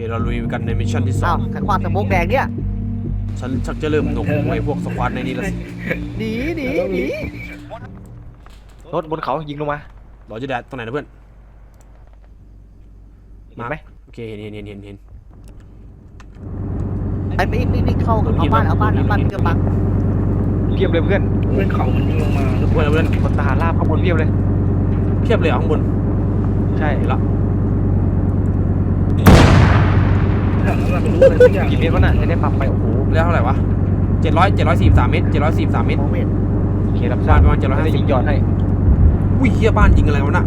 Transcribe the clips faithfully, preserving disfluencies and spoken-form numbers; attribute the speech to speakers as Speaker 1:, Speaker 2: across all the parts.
Speaker 1: เราลุยกันในมิชชั่นที่สอ
Speaker 2: อ้าว
Speaker 1: ง
Speaker 2: ขันความสมกแดงเนี่ย
Speaker 1: ฉันชักจะเริ่มหนวกหูไอ้พวกสควอตในนี้แล้วสิ
Speaker 2: หนีหนีหนี
Speaker 3: รถบนเขายิงลงมา
Speaker 1: เราจะแดดตรงไหนนะเพื่อน
Speaker 3: เห็นไหม
Speaker 1: โอเคเห็นเห็นเห็นเห็นเห็น
Speaker 2: ไอ้ไปอีกนี่นี่เข้าเอาบ้านเอาบ้านเอาบ้านเพื่อบัง
Speaker 3: เพียบเลยเพื่อน
Speaker 4: เพื่อนเขามันยิงลงมา
Speaker 1: เพื่อนเพื่อน
Speaker 3: คนทหารราบข้างบนเพียบเลย
Speaker 1: เพียบเลยเหรอข้างบน
Speaker 3: ใช่
Speaker 1: เห็นละ
Speaker 4: ถามว่ารู้อะไรสักอย่าง
Speaker 3: กี่เมตรวะน่ะจะได้ปรับไปโอ้โห
Speaker 1: แล้วเท่าไหร่วะเจ็ดร้อยเจ็ดร้อยสี่สิบสามเมตรเจ็ดร้อยสี่สิบสามเมตร
Speaker 2: มองไม่เห็น
Speaker 3: โอเครับ
Speaker 1: บ้านประมาณเจ็ดร้อยห้า
Speaker 3: ได้
Speaker 1: สิบ
Speaker 3: ยิงยอดให้
Speaker 1: อุ้ยเฮียบ้านยิงอะไรวะน่ะ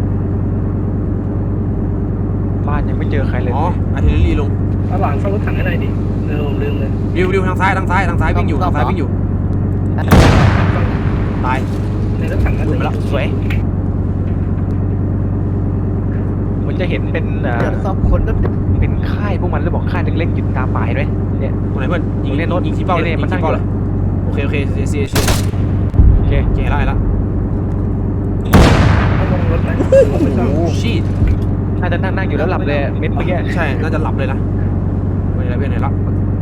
Speaker 3: บ้านยังไม่เจอใครเลย
Speaker 1: อ๋ออาร์ติลเลอรี่ลง
Speaker 4: เอาหลังเข้ารถถังให้หน่อยดิลืมลืมเลย
Speaker 1: ดิวดิวทางซ้ายทางซ้ายทางซ้ายวิ่งอยู่ทางซ้ายวิ่งอยู่ตาย
Speaker 4: ในรถถังนั่น
Speaker 1: หลุด
Speaker 4: เล
Speaker 1: ไป
Speaker 4: ย
Speaker 1: แล้ว
Speaker 3: สวยมันจะเห็นเป็นอ่า
Speaker 2: เดี๋ยวสองคนก็
Speaker 3: เป็นค่ายพวกมันแล้วบอกค่ายเล็กๆอยู่ตามป่าเห็นไหมเนี่ย
Speaker 1: ตรงไหนเพื่อนยิง
Speaker 3: เล่นโน้ต
Speaker 1: ยิงที่เป้าเลย
Speaker 3: เล่
Speaker 1: ยิ
Speaker 3: น
Speaker 1: ง
Speaker 3: มันตั้
Speaker 1: ที่
Speaker 3: ง
Speaker 1: เป้า
Speaker 3: อยู่
Speaker 1: เลยโอเคโอเคเสียเสียเสีย
Speaker 3: โอเค
Speaker 1: โอเคไล่ละ
Speaker 4: ต้องลงรถไหมไม่ต้อง
Speaker 1: ชีต
Speaker 3: น่าจะนั่งนั่งอยู่แล้วหลับเลยเม็ดเมื่อกี้
Speaker 1: ใช่น่าจะหลับเลยนะไม่ได้เพื่อนไหนละ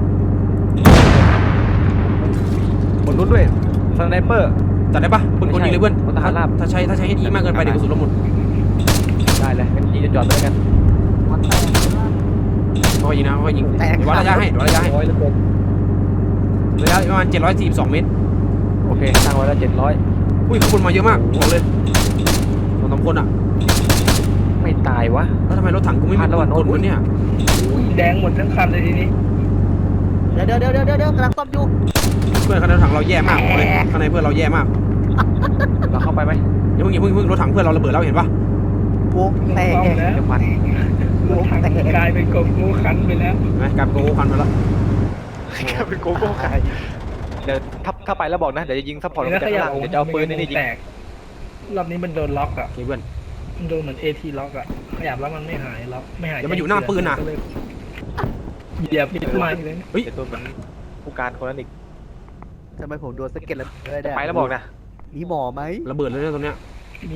Speaker 3: บนนู้นด้วยสไนเปอร์
Speaker 1: จัดได้ปะคนคนยิงเลยเพื่อน
Speaker 3: คนทหารราบ
Speaker 1: ถ้าใช้ถ้าใช้ให้ดีมากเกินไปเดี๋ยวกระสุนเราหมด
Speaker 3: ได้เลยงั้นยิงจอดเลยกัน
Speaker 2: มันแตก
Speaker 1: ค่อยยิงนะค่อยยิงเดี๋ยววัดระยะให้เดี๋ยววัดระยะให้
Speaker 3: ร้อยแล้วเกิน
Speaker 1: ระยะประมาณเจ็ดร้อยสี่สิบสองเมตร
Speaker 3: โอเคตั้งไว้แล้วเจ็ดร้อย
Speaker 1: อุ้ยข้างบนมาเยอะมากบอกเลยสองสามคนอ่ะ
Speaker 3: ไม่ตายวะ
Speaker 1: แล้วทำไมรถถังกูไม่มี
Speaker 3: พลาดแล้วว่ะ
Speaker 1: กดวะเนี่ย
Speaker 4: อุ้ยแดงหมดทั้งคันเลยทีนี้
Speaker 2: เดี๋ยวเดี๋ยวเดี๋ยวเดี๋ยวเดี๋ยวกำลังซ่อมอยู่
Speaker 1: เพื่อนข้างในรถถังเราแย่มากบอกเลยข้างในเพื่อนเราแย่มาก
Speaker 3: เราเข้าไปไหม
Speaker 1: อย่าเพิ่งอย่าเพิ่งอย่าเพิ่งรถถังเพื่อนเราระเบิดแล้วเห็นปะ
Speaker 2: วงแตก
Speaker 4: ต้องแล้ว
Speaker 3: เดี๋ยวปัด
Speaker 4: รถถังกลายเป็นกบงูคันไปแล้ว
Speaker 1: เห็นไหมกลายเป็นโกโก้คันไปแล้ว
Speaker 3: เป็นโกโก้ขายเดี๋ยวถ้าถ้าไปแล้วบอกนะเดี๋ยวจะยิงซัพพอร์ตลง
Speaker 4: แล้ว
Speaker 3: จาก
Speaker 4: ขยั
Speaker 3: ข้าง
Speaker 4: บ
Speaker 3: ล่างเดี๋ยวจะเอาปืนนี่นี่ยิง
Speaker 4: แตกรอบนี้มันโดนล็อกอ่ะ
Speaker 1: โอเคเพื่อน
Speaker 4: มันโดนเหมือนเอทีล็อกอ่ะขยับแล้วมันไม่หายล็อกไม่หาย
Speaker 1: เดี๋ยวมันอยู่หน้าปืนน่ะ
Speaker 4: ก็เลยเหยียบผิดไม้เลย
Speaker 1: เฮ้ย
Speaker 3: เดี๋ยวตัวเหมือนผู้การคนนั้นอีก
Speaker 2: ทำไมผมโดนสะเก็ตแล้วได้ได้
Speaker 3: ไปแล้วบอกนะ
Speaker 2: มีหมอไหม
Speaker 1: ระเบิดเลยนะตรงเนี้ย
Speaker 4: มี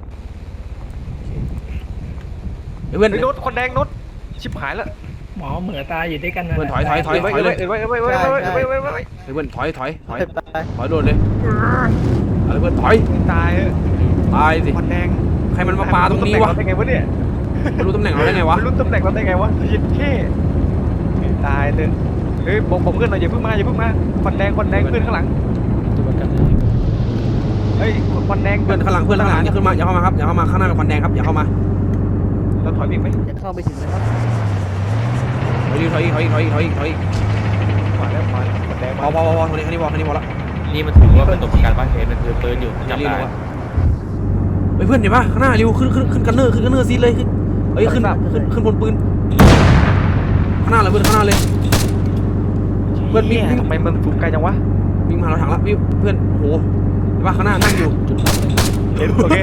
Speaker 1: เฮ้ยเพื่อน
Speaker 3: ไอ้ยนุชคนแดงนุชชิบหายแล้ว
Speaker 4: หมอเหมือตายอยู่ด้วยกันนะ
Speaker 1: เพื่อนถอยถอยถอย
Speaker 3: ไว้ไว้ไว้ไว้ไว้ไว้ไว้ไว้ไว้ไว้ไว้
Speaker 1: เฮ้ยเพื่อนถอยถอยถอย
Speaker 2: ไปไป
Speaker 1: ถอยโดนเลยอะไรเพื่อนถอย
Speaker 3: ตายเออ
Speaker 1: ตายสิ
Speaker 3: คนแดง
Speaker 1: ใครมันมาปาตรงนี้วะ
Speaker 3: ตำแหน่งเราได้ไงวะเนี่ย
Speaker 1: ไม่รู้ตำแหน่งเราได้ไงวะ
Speaker 3: ไม่รู้ตำแหน่งเราได้ไงวะยิงแค่ตายเลยเฮ้ยบอกผมเพื่อนหน่อยอย่าเพิ่งมาอย่าเพิ่งมาคนแดงคนแดงเพื่อนข้างหลังเฮ้ยคนแดง
Speaker 1: เพื่อนข้างหลังเพื่อนข้างหลังอย่าขึ้นมาอย่าเข้ามาครับอย่าเข้ามาข้างหน้าเป็นควันแดงครับอย่าเข้ามา
Speaker 3: เราถอยอีกไหม
Speaker 2: จะเข้าไปถึงนะครับ
Speaker 1: ถอยอีกถอยอีกถอยอีกถอยอีกถอยอีกถอยอีก
Speaker 3: ขวาแล้วขวาแล้วคนแดง
Speaker 1: พ
Speaker 3: มา
Speaker 1: อพอพอพอทีนี้ทีนี้พอทีนี้พอละ
Speaker 5: นี่มันถือว่าเป็นตัวประกันบ้านเทนมันถือปืนอยู่
Speaker 1: อย่า
Speaker 5: จำ
Speaker 1: รีบ
Speaker 5: ได้
Speaker 1: ลงวะเฮ้ยเพื่อนเห็นปะข้างหน้าริวขึ้นขึ้นขึ้นกันเนอร์ขึ้นกันเนอร์ซีดเลยขึ้นเฮ้ยขึ้นขึ้นขึ้นบนปืนข้างหน้าเลยเพื่อนข้างหน้าเลย เพื่อนวิ่งวิ่ง
Speaker 3: ทำไมมันสูงไกลจังวะ
Speaker 1: วิ่งมาเราถังละวิ่งเพื่อนโอ้โหเห็นปะข้างหน้านั่งอยู่
Speaker 3: เห็นโอเค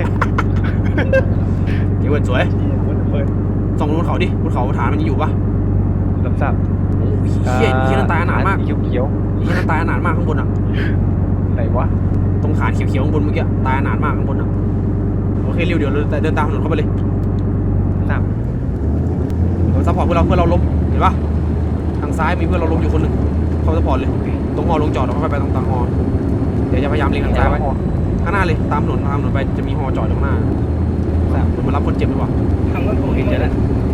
Speaker 1: เดี๋ยวเพื่อนสวย
Speaker 3: เปิด
Speaker 1: ส่องบนเขาดิบนเขาฐานมันยังอยู่ปะ
Speaker 3: รับทราบ
Speaker 1: โอ้ยเฮียเฮียนั่นตายอนาถมาก
Speaker 3: เขียวเขียว
Speaker 1: เฮียนั่นตายอนาถมากข้างบนอ่ะ
Speaker 3: ไหนวะ
Speaker 1: ตรงฐานเขียวๆข้างบนเมื่อกี้ตายอนาถมากข้างบนอ่ะโอเคริวเดี๋ยวเราเดินตามถนนเข้าไปเลย
Speaker 3: ทราบ
Speaker 1: เดี๋ยวซัพพอร์ตเพื่อนเราเพื่อนเราล้มเห็นปะทางซ้ายมีเพื่อนเราล้มอยู่คนหนึ่งเข้าซัพพอร์ตเลยตรงฮอลงจอดเราค่อยไปตรงทางฮอเดี๋ยวจะพยายามเล็งทางซ้ายไว้ข้างหน้าเลยตามถนนตามถนนไปจะมีฮอจอดอยู่ข้างหน้าผมมารับคนเจ็บดีกว่า
Speaker 4: ทำรถโอเคเจอแล้ว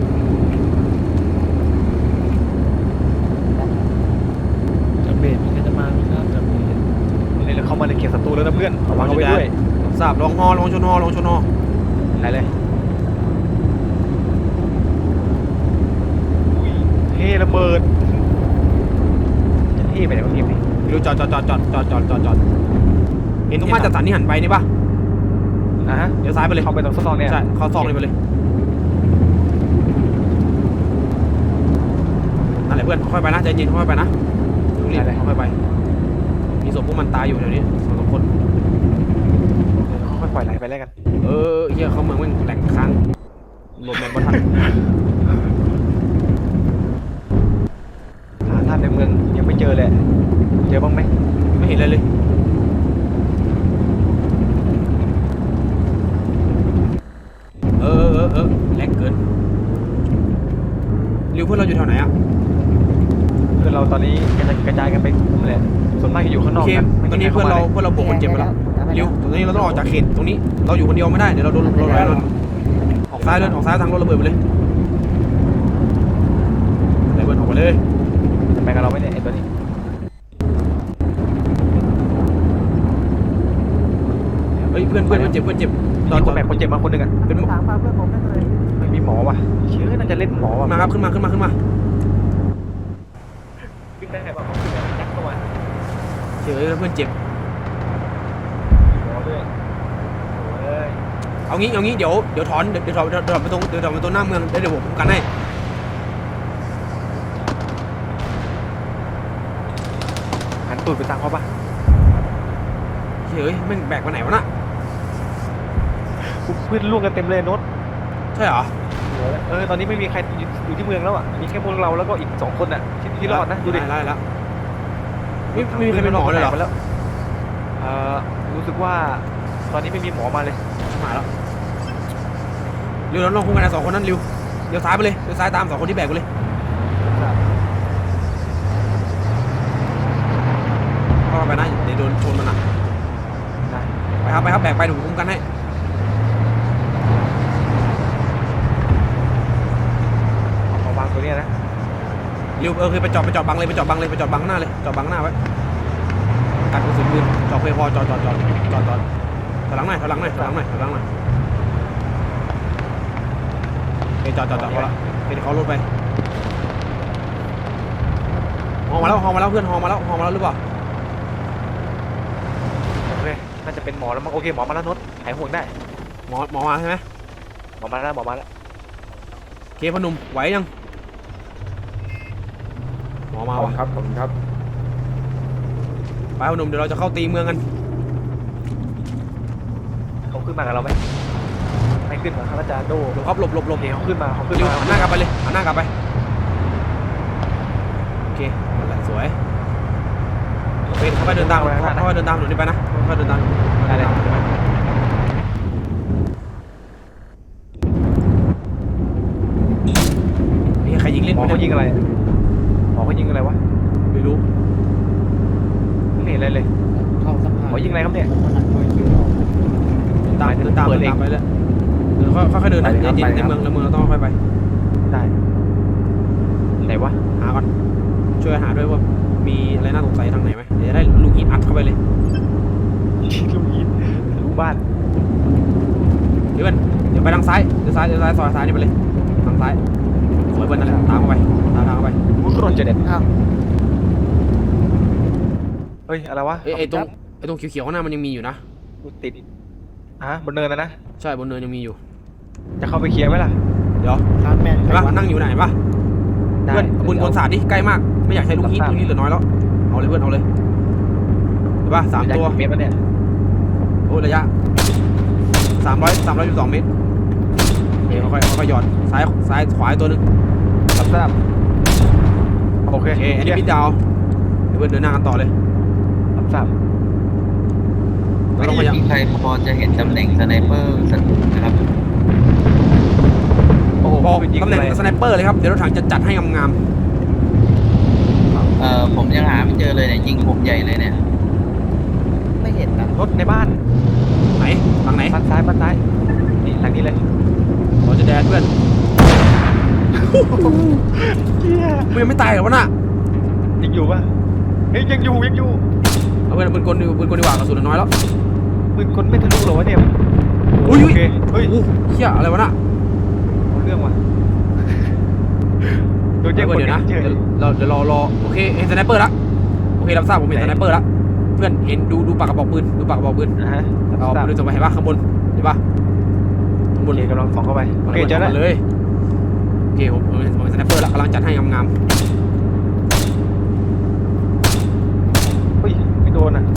Speaker 5: จำเป็นมันจะมาไม่ทราบจำเป็น
Speaker 3: นี่เราเข้ามาในเขตศัตรูแล้วนะเพื่อนระวังเอาไว้ด้วย
Speaker 1: ทราบลองฮอลองชนฮอลองชนฮอ
Speaker 3: ไหนเลยอุ้ยเท่ระเบิดจะเท่ไปไหนวะพี่นี่
Speaker 1: ริวจอดจอดจอดจอดจอดจอดจอดจอดเห็นตรงมาตรฐานที่หันไปนี่ปะ
Speaker 3: อ่ะฮะ
Speaker 1: เดี๋ยวซ้ายไปเลย
Speaker 3: เข้าไปตรงซองเนี่ย
Speaker 1: ใช่เข้าซองเลยไปเลยนั่นแหละเพื่อนค่อยไปนะใจเย็นค่อยไปนะรีบค่อยไปมีศพพวกมันตายอยู่แถวนี้สองสามคน
Speaker 3: ค่อยปล่อยไหลไปแล้วกัน
Speaker 1: เออเฮียเขาเมืองแม่งแหลกค้างรวมแมนบอลทัน
Speaker 3: หาท่านในเมืองยังไม่เจอเลยเจอบ้างไหม
Speaker 1: ไม่เห็นเลยเลยเออเออเออแรงเกินริวเพื่อนเราอยู่แถวไหนอ่ะ
Speaker 3: คือเราตอนนี้กระจายกันไปเลยส่วนมากจะอยู่ข้างน
Speaker 1: โอ
Speaker 3: อก
Speaker 1: เค
Speaker 3: กัน
Speaker 1: ตอนนี้เพื่อนเราเพื่อนเราบวกคนเจ็บไปแล้วริวตอนนี้เราต้องออกจากเขตตรงนี้เราอยู่คนเดียวไม่ได้เดี๋ยวเราโดนเราลอยเราออกซ้ายเลยออกซ้ายทางรถระเบิดไปเลยระเบิดออกไปเลย
Speaker 3: ไปกับเราไหมเนี่ยไอ้ตัวนี้
Speaker 1: เฮ้ยเพื่อนเพื่อนเพื่อนเจ็บเพื่อนเจ็บตอ
Speaker 3: มี
Speaker 1: น
Speaker 3: ค
Speaker 1: ตอน น
Speaker 3: แบกคนเจ็บมาคนหนึ่งอ่ะ
Speaker 1: เป็น
Speaker 2: ทางพาเพื่อนผมได้เลย
Speaker 3: ไม่มีหมอว่ะเชื่อน่าจะเล่นหมอว่ะ
Speaker 1: มาครับขึ้นมาขึ้นมาขึ้นมา
Speaker 3: ขึ้นได้ไงบ้างขึ้นได้ยักเข้ามา
Speaker 1: เฉยแล้วเพื่อนเจ็บ
Speaker 3: มีหมอด้วยโอ้ย
Speaker 1: เอางี้เอางี้เดี๋ยวเดี๋ยวถอนเดี๋ยวเดี๋ยวถอนเดี๋ยวถอนไปตรงเดี๋ยวถอนไปตรงหน้าเมืองเดี๋ยวเดี๋ยวผมคุ้มกันให้
Speaker 3: หันตูดไปทางเขาปะ
Speaker 1: เฉยแม่งแบกไปไหนวะน่ะ
Speaker 3: เพื่อนล่วงกันเต็มเลยโน้ต
Speaker 1: ใช่เหรอ
Speaker 3: เออตอนนี้ไม่มีใครอยู่ที่เมืองแล้วอ่ะมีแค่พวกเราแล้วก็อีกสองคนอ่ะที่ที่รอดนะดูดิ
Speaker 1: ไล่แล้วไม่ไม่มีใครเป็นหมอเลยเหรอ
Speaker 3: แล้วเอ่อรู้สึกว่าตอนนี้ไม่มีหมอมาเลย
Speaker 1: มาแล้วเร็วเราลองคุ้มกันนะสองคนนั้นเร็วเดี๋ยวซ้ายไปเลยเดี๋ยวซ้ายตามสองคนที่แบกไปเลยเข้าไปนะเดี๋ยวโดนชนมันนะ
Speaker 3: ได้
Speaker 1: ไปครับไปครับแบกไปเดี๋ยวผมคุ้มกันให้
Speaker 3: เอามาวางตัวเนี้ยนะ
Speaker 1: เร็วเออคือไปจอดไปจอดบังเลยไปจอดบังเลยไปจอดบังหน้าเลยจอดบังหน้าไว้กันกระสุนปืนจอดเพย์พอจอดจอดจอดจอดจอดถอยหลังหน่อยถอยหลังหน่อยถอยหลังหน่อยถอยหลังหน่อยโอเคจอดจอดจอดพอละเดี๋ยวเขารถไปฮอมาแล้วฮอมาแล้วเพื่อนฮอมาแล้วฮอมาแล้วหรือเปล่า
Speaker 3: โอเคน่าจะเป็นหมอแล้วมั้งโอเคหมอมาแล้วโน้ตหายห่วงได้
Speaker 1: หมอหมอมาใช่ไหม
Speaker 3: หมอมาแล้วหมอมาแล้ว
Speaker 1: โอเคพนุ่มไหวยังหมอมาว่ะ
Speaker 5: ครับผมครับ
Speaker 1: ไปพนุ่มเดี๋ยวเราจะเข้าตีเมืองกัน
Speaker 3: เขาขึ้นมากับเราไหมไม่ขึ้นมาครับอาจารย์โด
Speaker 1: หลบครับหลบหลบหล
Speaker 3: โอบ เคเขาขึ้นมาเขาขึ้น
Speaker 1: เร็ว
Speaker 3: มา
Speaker 1: หันหน้ากลับไปเลยหันหน้ากลับไปโอเคนั่นแหละสวยโอเคเข้าไปเดินตามเข้าไปเดินตามหนูนี่ไปนะเข้าไปเดินตาม
Speaker 3: ได้เลย
Speaker 1: นี่ใครยิงเล่น
Speaker 3: หมอเขายิงอะไรหมอเขายิงอะไรวะ
Speaker 1: ไม่รู้
Speaker 3: ไม่เห็นอะไรเลย
Speaker 5: เข้าสัก
Speaker 3: หมอยิงอะไรครับเนี่ย
Speaker 1: ตามเดินตามเดินตามไปเลยเดินค่อยค่อยเดินนะเย็นในเมืองในเมืองเราต้องค่อยไป
Speaker 3: ได้ไหนวะ
Speaker 1: หาก่อนช่วยหาด้วยว่ามีอะไรน่าสงสัยทางไหนไหมเดี๋ยวจะได้ลูกหินอัดเข้าไปเลย
Speaker 3: ลูกยิงลูกบ้าน
Speaker 1: เดี๋ยวเพื่อนเดี๋ยวไปทางซ้ายเดี๋ยวซ้ายเดี๋ยวซ้ายซอยซ้ายนี่ไปเลยทางซ้ายสวยเพื่อนนั่นแหละตามเข้าไปตามทางเข้าไป
Speaker 3: วุ้นรถจะเด็ด
Speaker 2: อ้าว
Speaker 3: เฮ้ยอะไรวะ
Speaker 1: เอ้ยไอ้ตรงไอ้ตรงเขียวๆข้างหน้ามันยังมีอยู่นะ
Speaker 3: กูติดอ่ะบนเนินนะนะ
Speaker 1: ใช่บนเนินยังมีอยู่
Speaker 3: จะเข้าไปเคลียร์ไหมล่ะ
Speaker 1: เดี๋ยว
Speaker 2: ร้านแมน
Speaker 1: เห็นปะนั่งอยู่ไหนปะ
Speaker 3: ได้
Speaker 1: เพื่อนบุญบนศาสตร์ดิใกล้มากไม่อยากใช้ลูกฮีทลูกฮีทเหลือน้อยแล้วเอาเลยเพื่อนเอาเลยเห็นปะสามตัว
Speaker 3: เมตรแล้วเนี่ย
Speaker 1: โอ้ระยะสามร้อยสามร้อยสิบสองเมตรโอเคค่อยๆค่อยๆหย่อนซ้ายซ้ายขวาอีกตัวหนึง
Speaker 3: รับทราบโอเค
Speaker 1: โอเคอันนี้มิดดาวเดี๋ยวเพื่อนเดินหน้ากันต่อเลย
Speaker 3: รับทราบ
Speaker 1: เรา
Speaker 6: ไม่
Speaker 1: ต้องพยายาม
Speaker 6: มีใครพอจะเห็นตำแหน่งสไนเปอร์สักนะครับ
Speaker 3: โอ้โห
Speaker 1: บอก
Speaker 3: ยิง
Speaker 1: ตำแหน่ง
Speaker 3: อะไร
Speaker 1: สไนเปอร์เลยครับเดี๋ยวรถถังจะจัดให้งาม
Speaker 6: เอ่อผมยังหาไม่เจอเลยเนี่ยยิงผมใหญ่เลยเนี่ย
Speaker 2: ไม่เห็นนะ
Speaker 3: รถในบ้าน
Speaker 1: ๆไหนฝั่งไหน
Speaker 3: บ้านซ้ายบ้านซ้ายนี่หลังนี้เลย
Speaker 1: เราจะแดนเพื่อน
Speaker 3: เฮีย
Speaker 1: มึงยังไม่ตายเหรอวะน่ะ
Speaker 3: ยังอยู่ปะเฮ้ยยังอยู่ยังอยู่
Speaker 1: เอาเพื่อนปืนกลดีปืนกลดีกว่ากระสุนน้อยแล้ว
Speaker 3: ปืนคนไม่ทะลุเหรอวะเนี่ย
Speaker 1: อุ้ย
Speaker 3: โอ
Speaker 1: อุ้ย
Speaker 3: เคเฮ้ย
Speaker 1: โอ้เฮียอะไรวะน่ะ
Speaker 3: เอาเรื่องว่ะโดนแย่ง
Speaker 1: เดี๋ยว
Speaker 3: คน
Speaker 1: เดี๋ยวนะ
Speaker 3: เฉย
Speaker 1: เดี๋ยวเราเดี๋ยวรอรอโอเคเห็นสไนเปอร์ละโอเครับทราบผมเห็นสไนเปอร์ละเพื่อนเห็นดูดูปากกระบอกปืนดูปากกระบอกปืน
Speaker 3: นะฮะรับ
Speaker 1: เอา
Speaker 3: ทราบ
Speaker 1: ปืนส่งไปเห็นปะข้างบนเห็นปะข้างบ
Speaker 3: โอน เคกำลังส่องเข้าไปโอเคเจอแล้ว
Speaker 1: เลยโอเคผมผมเห็นผมเห็นสไนเปอร์ละกำลังจัดให้งาม
Speaker 3: เฮ้ยไม่โดนอ่ะ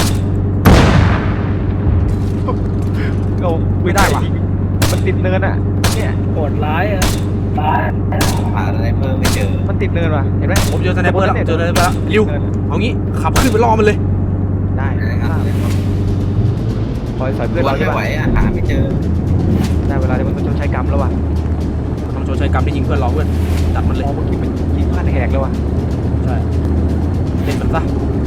Speaker 3: เอา
Speaker 1: ๆไม่ได้ว่ะ
Speaker 3: มันติดเนินอ่ะเนี่ย
Speaker 4: โหดร้ายอ่ะ
Speaker 6: หาสไนเปอร์ไม่เจอ
Speaker 3: มันติดเนินว่ะเห็นไหม
Speaker 1: ผมเจอสไนเปอร์ละเจอสไนเปอร์ละริวเอางี้ขับขึ้นไปล่อมันเลย
Speaker 3: ได้
Speaker 6: นะครับ
Speaker 3: คอยสอยเพื่อน
Speaker 6: ตัว
Speaker 3: เราใช่
Speaker 6: ไม่
Speaker 3: ปะ
Speaker 6: ไหวอ่ะหาไม่เจอ
Speaker 3: ได้เวลาที่มันต้องใช้กรรมแล้วว่ะ
Speaker 1: ต้องชดใช้กรรมที่ยิงเพื่อนเราเพื่อนจัดมันเลย
Speaker 3: มองเมื่อกี้มันยิงพลาดแหกเลยว่ะ
Speaker 1: ใช่เล่นมันซะ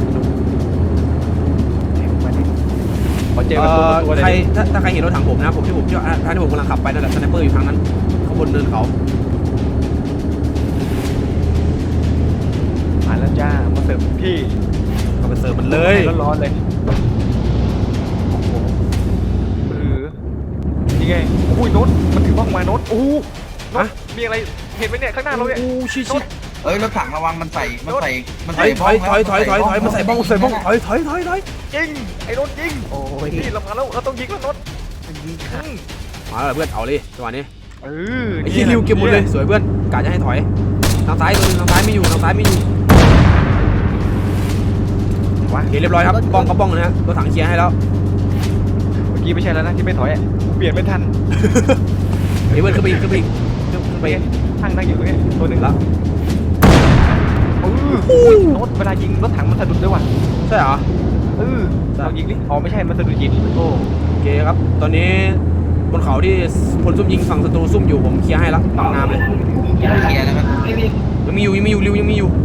Speaker 3: แหกมาดิพอเจอ
Speaker 1: เอ
Speaker 3: กับตัว
Speaker 1: อ
Speaker 3: ตัวเล
Speaker 1: ใคร
Speaker 3: ย
Speaker 1: ถ้าถ้าใครเห็นรถถังผมนะผมที่ผมเชื่อท่านที่ผมกำลังขับไปนั่นแหละสไนเปอร์อยู่ทางนั้นข้างบนเนินเขา
Speaker 3: มาแล้วจ้ามาเสิร์ฟพี่
Speaker 1: ก็ไปเสิร์ฟมันเลย
Speaker 3: ร้อนๆเลยโอ้โหเออนี่ไงโอ้ยโน้ตมันถือบ้องมาโน้ตโอ้โหโน้ตมีอะไรเห็นไหมเนี่ยข้างหน้าเราเนี่ย
Speaker 1: โอ้ชิชิ
Speaker 6: เอ้ยรถถังระวังมันใส่มันใส่มัน
Speaker 1: ถอ
Speaker 6: ใส่
Speaker 1: ยถอยถอยถอยถอยถอยมันใส่บ้องใส่บ้องถอยถอยถอยถอย
Speaker 3: ยิงไอ้โน้ตยิง
Speaker 2: โอ้ย
Speaker 3: นี่เรามาแล้วเราต้องยิงแล้วโน้ต
Speaker 2: มันยิง
Speaker 3: อื
Speaker 2: ขาด
Speaker 3: ม
Speaker 1: มาแล้วเพื่อนเอาเลยจังหวะนี้
Speaker 3: เออ
Speaker 1: ไอ้ที่ริวเก็บหมดเลยสวยเพื่อนกะจะให้ถอยทางซ้ายตัวนึงทางซ้ายไม่อยู่ทางซ้ายไม่อยู่
Speaker 3: วะ
Speaker 1: โอเคเรียบร้อยครับบ้องก็บ้องนะฮะรถถังเคลียร์ให้แล้ว
Speaker 3: เมื่อกี้ไม่ใช่แล้วนะที่ไม่ถอยอ่ะเปลี่ยนไม่ทัน
Speaker 1: เฮ้ยเพื่อนขึ้นไปอีกขึ้นไปอีกขึ้นไป
Speaker 3: ไป
Speaker 1: อีก
Speaker 3: ทั้งนั่งอยู่ตรงนี้ตัวหนึ่ง
Speaker 1: แล้ว
Speaker 3: เออโน้ตเวลายิงรถถังมันสะดุดด้วยว่ะ
Speaker 1: ใช่เหรอ
Speaker 3: เออเรายิงดิอ๋อไม่ใช่มันสะดุดหินโอ้
Speaker 1: โอเคครับตอนนี้บนเขาที่พลซุ่มยิงฝั่งศัตรูซุ่มอยู่ผมเคลียร์ให้ละบางน้ำเลย
Speaker 6: เคลียร์แล้วครับ
Speaker 4: ไม่มี
Speaker 1: ยังมีอยู่ยังมีอยู่ริวยังมีอยู่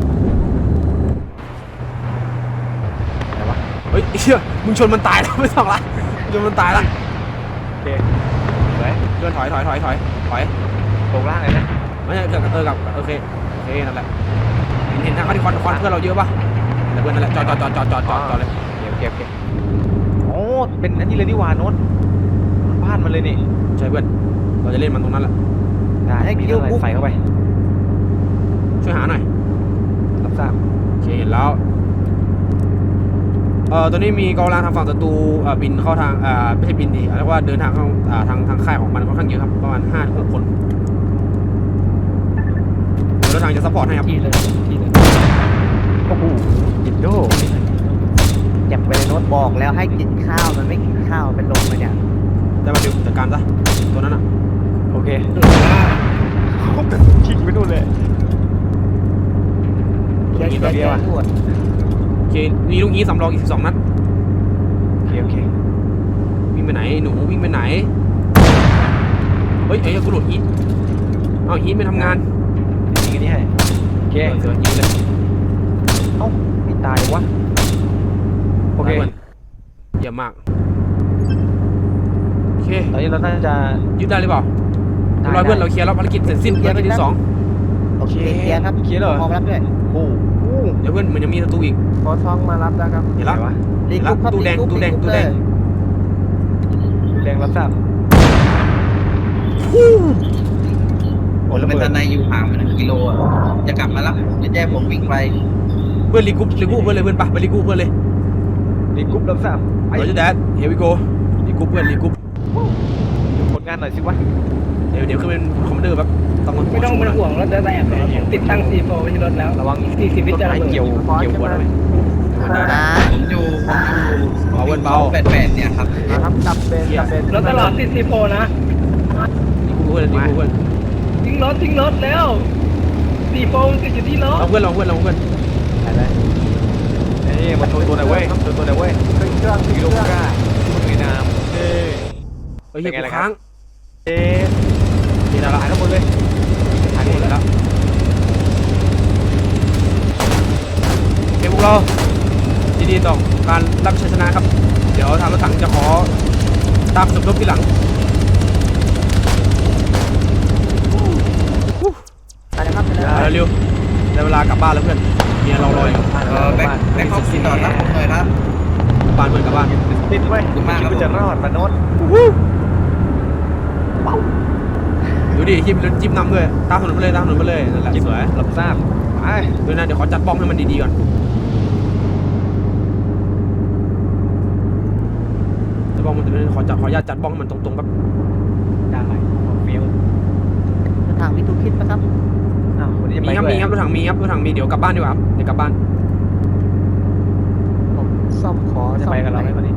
Speaker 3: อะไรวะ
Speaker 1: เฮ้ยไอ้เชี่ยมึงชนมันตายแล้วไม่ต้องละมึงชนมันตายละ
Speaker 3: โอเคไว้
Speaker 1: เดินถอยถอยถอยถอยถอย
Speaker 3: ตรงล่างเลยนะ
Speaker 1: ไม่ใช่เกิดกับเออกับโอเคโอเคนั่นแหละเห็นเห็นทางเขาที่ควันควันเพื่อนเราเยอะป่ะแต่เพื่อนนั่นแหละจอดจอดจอดจอดจอดจอดจอดเลย
Speaker 3: โอเคโอเคโอ้เป็นอันนี้เลยนี่หว่าโน้ตบ้านมันเลยนี่
Speaker 1: ใช่เพื่อนเราจะเล่นมันตรงนั้นแหละ
Speaker 3: ได้มีเท่าไหร่ใส่เข้าไป
Speaker 1: ช่วยหาหน่อย
Speaker 3: รับทราบ
Speaker 1: โอเคเห็นแล้วเอ่อตอนนี้มีกองกำลังทางฝั่งศัตรูเอ่อบินเข้าทางอ่าไม่ใช่บินดิเรียกว่าเดินทางเข้าอ่าทางทางค่ายของมันค่อนข้างเยอะครับประมาณห้าถึงหกคนเดี๋ยวรถทางจะซัพพอร์ตให้ครับ
Speaker 4: ที่เลยที่เลย
Speaker 3: โอ้โหยินโดแยับไปเลยโน้ต
Speaker 2: บอกแล้วให้กินข้าวมันไม่กินข้าวเป็นลมไปเนี่ย
Speaker 1: ได้มาดิวจัดการซะตัวนั้นอ่ะ
Speaker 3: โอเคชิงไปนู่นเลย
Speaker 2: เคี้ยว
Speaker 3: ยิง
Speaker 2: เคี้ยว
Speaker 3: เดี
Speaker 2: เคี้
Speaker 3: ย
Speaker 2: ยว ว
Speaker 3: อ่ะ
Speaker 2: ตรวจ
Speaker 1: โอเคมีลูกนี้สำรองอีกสิบสองนัด
Speaker 3: โอเคโอเค
Speaker 1: วิ่งไปไหนหนูวิ่งไปไหนเฮ้ยเอ้ยกูหลุดฮีทเอาฮีทไม่ทำงาน
Speaker 3: ยิงอันนี้ให้โอเค
Speaker 1: เสือยิงเลย
Speaker 3: เอ้าไม่ตายวะโอเค
Speaker 1: ได้พื่อนเยี่ยมมากโอเค
Speaker 3: ตอนนี้เราน่าจะ
Speaker 1: ยึดได้หรือเปล่าเรียบร้อยเพื่อนเราเคลียร์แล้วภารกิจเสร็จสิ้นภารกิจที่สอง
Speaker 2: โอเคเคลียร์ครับ
Speaker 3: เคลียร์เหรอ
Speaker 2: พร้อมรับด้วย
Speaker 3: โอ้โห
Speaker 1: เดี๋ยวเพื่อนเหมือนจะมีศัตรูอีก
Speaker 2: ขอท้องมารับแล้วครับ
Speaker 1: เห็นแล้ว
Speaker 3: อะไรวะ
Speaker 2: รีกรุ๊ปครับ
Speaker 1: ตู้แดง
Speaker 2: รีกรุ๊ป
Speaker 1: ตู้แดง
Speaker 2: รีกรุ๊ป
Speaker 1: ตู้แดง
Speaker 2: เลย
Speaker 3: ดูแรงรับทราบ
Speaker 6: ผมเป็นทนายอยู่ห่างไปหนึ่งกิโลอ่ะจะกลับมารับจะแจ้ผมวิ่งไป
Speaker 1: เพื่อนรีกรุ๊ปรีกรุ๊ปเพื่อนเลยเพื่อนปะไปรีกรุ๊ปเพื่อนเลย
Speaker 3: รีกรุ๊ปรับทราบไป
Speaker 1: เราจะแดดเฮวิโกรีกรุ๊ปเพื่อนรีกรุ๊ป
Speaker 3: ดูผลงานหน่อยสิวะ
Speaker 1: เดี๋ยวเดี๋ยวขึ้นเป็นคอมมานเดอร์แบบต้องมา
Speaker 4: ไม่ต้องเป็นห่วงรถจะแตกเลยผมติดตั้งซีโฟไว้ที่รถแล้ว
Speaker 3: ระวัง
Speaker 4: สี่สิบวิ
Speaker 3: ต้น
Speaker 4: จะระ
Speaker 3: ไม้
Speaker 4: เบิด
Speaker 3: เกี่ยวเกี่ยวหัวหน่อย
Speaker 1: ได้ได้
Speaker 2: อ่า
Speaker 6: ผมอยู่ผมอยู่
Speaker 1: เบาเพื่อนเบา
Speaker 6: แปดแปดเนี่ยครับ
Speaker 2: ครับจับเป็นจับเป็น
Speaker 4: รถตลอดสี่สิบโฟนะ
Speaker 1: รีกรุ๊ปเพื่อนรีกรุ๊ปเพื่อน
Speaker 4: ทิ้งรถทิ้งรถแล้วสี่โฟมันติดอยู่ที่รถ
Speaker 1: เราเพื่อนเราเพื่อนเราเพื่อน
Speaker 3: อะไรนี่มาโชว์ตัวหน่อยเว้ยโชว์ตัวหน่อยเว้ย
Speaker 2: เครื่องเครื่อง
Speaker 3: กิโลกรัมสวยงามเอ้
Speaker 1: เฮ้ยเฮีย
Speaker 3: เป็นไง
Speaker 1: กู
Speaker 3: ล่ะครับ
Speaker 1: ค้าง
Speaker 3: เอ๊ะ
Speaker 1: เห็นแล้ว
Speaker 3: ถ่ายข้างบนเลย
Speaker 1: ถ่ายหมดแล้วโอเคพวกเรายินดีต่อการรับชัยชนะครับ เดี๋ยวทางรถถังจะขอตามสมทบที่หลัง
Speaker 2: ไปเลยครับไปเลย
Speaker 1: เอาเร็วๆได้เวลากลับบ้านแล้วเพื่อนเมียเรารออยู่
Speaker 6: เออแบ็คแบ็คเขาติดต่อรับผมหน่อยครับ
Speaker 1: บ้านเพื่อนกลับบ้าน
Speaker 3: ติดเว้ย
Speaker 6: ขอบคุณมากครับ
Speaker 3: คิดว่าจะรอดปะโน้ต
Speaker 1: ดูดิจิ้มรถจิ้มนำด้วยตามถนนไปเลยตามถนนไปเลยนั่นแหละสวย
Speaker 3: รับทราบไป
Speaker 1: ดูนะเดี๋ยวขอจัดป้อมให้มันดีๆก่อนจัดป้อมมันจะขอจัดขออนุญาตจัดป้อมให้มันตรงๆแบบ
Speaker 3: ได้ฟิว
Speaker 2: ทางวิทูคิดนะครับ
Speaker 3: อ้าววันนี้จะ
Speaker 1: มี
Speaker 3: ไป
Speaker 1: ครับ
Speaker 3: ด้วย
Speaker 1: มีครับรถถังมีครับรถถังมีเดี๋ยวกลับบ้านดีกว่าครับเดี๋ยวกลับบ้าน
Speaker 2: ผมซ่อมขอ
Speaker 3: จะ
Speaker 2: ซ่อม
Speaker 3: ไปกับเราไหมวันนี้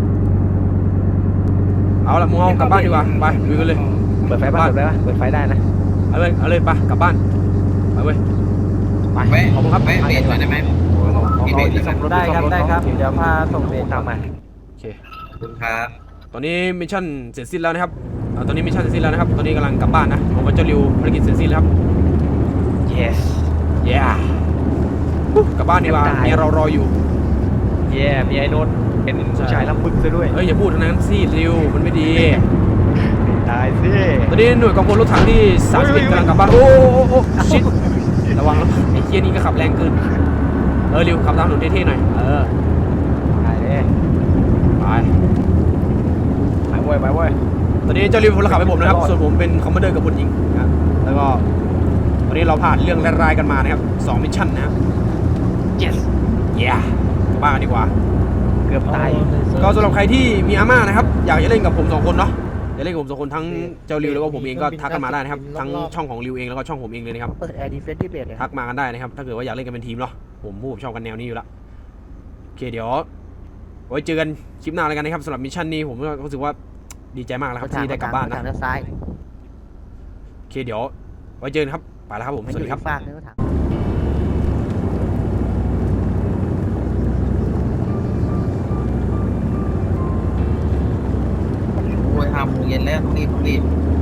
Speaker 1: เอาละมึงเอากลับบ้านดีกว่าไปลุยกันเลย
Speaker 3: เปิดไฟบ้านเปิดไฟบ้านเปิดไฟได้นะ
Speaker 1: เอาเลยเอาเลยไปกลับบ้านไปเว้ยไป
Speaker 6: แวะ
Speaker 1: ขอบคุณครับ
Speaker 6: แวะเบรกหน่อยได้ไหมมีเบรกไหมครับ
Speaker 2: ได้ครับได้ครับเดี๋ยวพาส่งเบส
Speaker 3: ตามมา
Speaker 1: โอเค
Speaker 6: ขอบคุณครับ
Speaker 1: ตอนนี้มิชชั่นเสร็จสิ้นแล้วนะครับอ่าตอนนี้มิชชั่นเสร็จสิ้นแล้วนะครับตอนนี้กำลังกลับบ้านนะผมกับเจ้าริวภารกิจเสร็จสิ้นแล้วครับ
Speaker 3: yes
Speaker 1: เย้กลับบ้านดีกว่าเมียเรารออยู่
Speaker 3: เย่มีไอ้โน้ตเป็นผู้ชายลำบึกซะด้วย
Speaker 1: เอ้ยอย่าพูดทั้งนั้นสิริวมันไม่ดี
Speaker 3: ตายสิ
Speaker 1: ตอนนี้หน่วยกองพลรถถังที่สามสิบเอ็ดกำลังกลับบ้านโอ้โอ้โอ้ชิดระวังนะไอ้เคียนี่ก็ขับแรงเกินเออริวขับตามถนนเท่ๆหน่อยเออ
Speaker 3: ตายเลย
Speaker 1: ไป
Speaker 3: ไปเว้ยไปเว้ย
Speaker 1: ตอนนี้เจ้าริวพลขับให้ผมนะครับส่วนผมเป็นคอมมานเดอร์กับพลหญิงนะแล้วก็ตอนนี้เราผ่านเรื่องร้ายๆกันมานะครับสองมิชชั่นนะครับ
Speaker 3: yes
Speaker 1: เย้กลับบ้านกันดีกว่า
Speaker 3: เกือบตาย
Speaker 1: ก็สำหรับใครที่มีอาม่านะครับอยากจะเล่นกับผมสองคนเนาะอยากเล่นกับผมสองคนทั้งเจ้าริวแล้วก็ผมเองก็ทักกันมาได้นะครับทั้งช่องของริวเองแล้วก็ช่องผมเองเลยนะครับ
Speaker 2: เปิดแอร์ดีเฟนที่เบสเลย
Speaker 1: ทักมากันได้นะครับถ้าเกิดว่าอยากเล่นกันเป็นทีมเนาะผมผู้ผมชอบกันแนวนี้อยู่แล้วโอเคเดี๋ยวไว้เจอกันคลิปหน้าแล้วกันนะครับสำหรับมิชชั่นนี้ผมก็รู้สึกว่าดีใจมากแล้วครับที่ได้กลับบ้านนะ
Speaker 2: ทางด้านซ้าย
Speaker 1: โอเคเดี๋ยวไว้เจอกันครับไปแล้วครับผม
Speaker 2: มัน
Speaker 1: ส
Speaker 2: อ
Speaker 1: วัส
Speaker 2: ยู่
Speaker 1: ดีครับ
Speaker 2: ที่ฝากนึงก็ถาม
Speaker 6: โอ้ยห้าโมงเย็นแล้วต้องรีบต้องรีบ